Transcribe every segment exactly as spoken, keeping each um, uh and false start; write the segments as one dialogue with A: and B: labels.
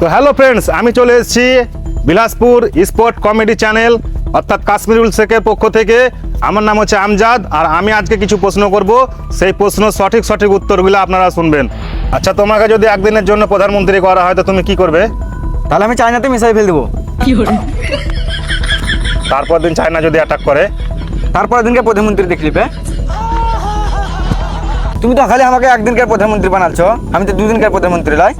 A: তো hello friends, আমি চলে এসেছি বিলাসপুর স্পোর্ট কমেডি চ্যানেল অর্থাৎ কাশ্মীরুল শেখের পক্ষ থেকে। আমার নাম হচ্ছে আমজাদ, আর আমি আজকে কিছু প্রশ্ন করব, সেই প্রশ্ন সঠিক সঠিক উত্তরগুলো আপনারা শুনবেন। আচ্ছা, তোমাকে যদি একদিনের জন্য প্রধানমন্ত্রী করা হয় তো তুমি কি করবে?
B: তাহলে আমি চায়নাতে মিসাইল ফেল দেবো।
A: তারপর দিন চায়না যদি অ্যাটাক করে?
B: তারপরের দিনকে প্রধানমন্ত্রী দেখলি পে তুমি তো খালি আমাকে একদিনকার প্রধানমন্ত্রী বানাচ্ছ, আমি তো দুদিনকার প্রধানমন্ত্রী লাই।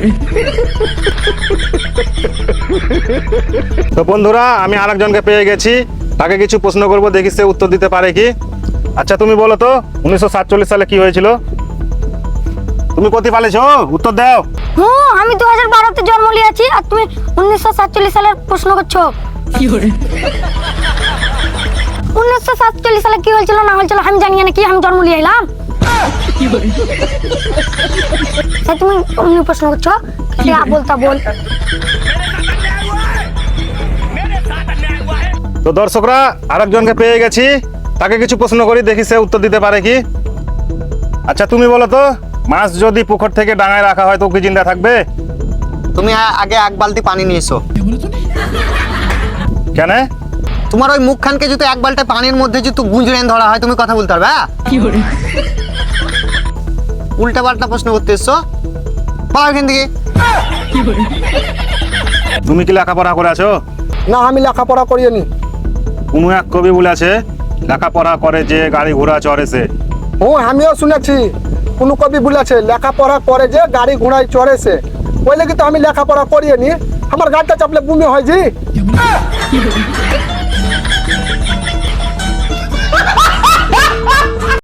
A: তো বন্ধুরা, আমি আরেকজনকে পেয়ে গেছি, তাকে কিছু প্রশ্ন করব, দেখি সে উত্তর দিতে পারে কি। আচ্ছা তুমি বলো তো, উনিশশো সাতচল্লিশ সালে কি হয়েছিল? তুমি কোথায় পালিয়েছো? উত্তর দাও।
C: হুম, আমি দু হাজার বারোতে জন্ম নিয়েছি আর তুমি উনিশশো সাতচল্লিশ সালের প্রশ্ন করছো। উনিশশো সাতচল্লিশ সালে কি হয়েছিল না হয়েছিল আমি জানি না, কি আমি জন্ম নিয়ে এলাম। তুমি অন্য প্রশ্ন করছো, বলতা বল।
A: তো দর্শকরা, আরেকজনকে পেয়ে গেছি, তাকে কিছু প্রশ্ন করি, দেখি সে উত্তর দিতে পারে কি। আচ্ছা তুমি বলো তো, মাছ যদি পুকুর থেকে ডাঙায় রাখা হয় তো কি জিন্দা থাকবে?
D: তুমি আ- আগে এক বালতি পানি নিয়ে এসো।
A: কেন?
D: তোমার ওই মুখখানকে যদি এক বালতি পানির মধ্যে যদি গুঁজরেন ধরা হয় তুমি কথা বলতে পারবে? উল্টা পাল্টা প্রশ্ন করতে এসছো, পাও এখান থেকে।
A: তুমি কি লেখাপড়া করে আছো?
E: না, আমি লেখাপড়া করিনি।
A: কোনো এক কবি বলেছে, লেখাপড়া করে যে গাড়ি ঘোড়া চড়ে সে।
E: ও, আমিও শুনেছি কোনো কবি বলেছে লেখাপড়া করে যে গাড়ি ঘোড়ায় চড়েছে। ওই লেগে তো আমি লেখাপড়া করিনি, আমার গাড়িটা চাপলে বমি হয় জি।